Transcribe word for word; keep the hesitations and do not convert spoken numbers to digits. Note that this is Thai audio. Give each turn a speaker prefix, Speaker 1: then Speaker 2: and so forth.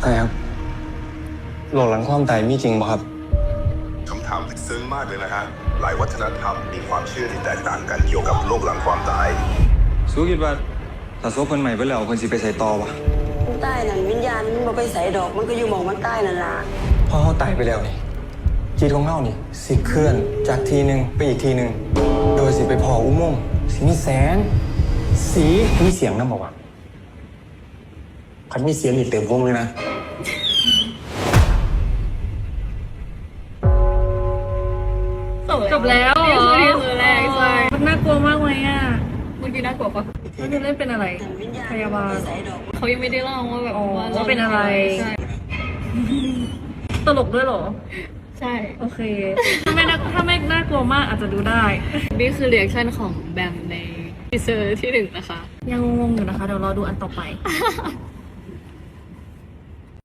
Speaker 1: ใช่ครับโลกหลังความตายมีจริงป่ะครับ
Speaker 2: คำถามลึกซึ้งมากเลยนะฮะหลายวัฒนธรรมมีความเชื่อที่แตกต่างกันเกี่ยวกับโลกหลังความตาย
Speaker 1: สู้คิดว่าถ้าโซ่คนใหม่ไปแล้วคนสิไปใส่ต่อปะ
Speaker 3: ใต้นั่นวิญญาณมันบ่ไปใส่ดอกมันก็อยู่หมองมันใต้นั่นล่ะ
Speaker 1: พอเขาตายไปแล้วนี่จิตของเขานี่สิเคลื่อนจากทีหนึ่งไปอีกทีหนึ่งโดยสิไปพออุโมงค์สิมีแสงสีมีเสียงนะบอกว่าคันมีเสียงนี่เต็มวงเลยนะ
Speaker 4: จบแล้วเหรอนี่คือแรกใช่มันน่ากลัวมากไหมอ่ะ
Speaker 5: เมื่อกี้น่ากลัวปะ
Speaker 4: แล้วจะเล่นเป็นอะไรพยาบาล
Speaker 5: เขายังไม่ได้เล่าว่าแบบ
Speaker 4: ว่าเป็นอะไร
Speaker 5: ใช่
Speaker 4: ตลกด้วยเหรอ
Speaker 5: ใช่
Speaker 4: โอเคถ้าไม่น่าถ้าไม่น่ากลัวมากอาจจะดูได้
Speaker 5: นี่คือเรีแอคชั่นของแบมในทีเซอร์ที่หนึ่งนะคะ
Speaker 4: ยังงงอยู่นะคะเดี๋ยวรอดูอันต่อไป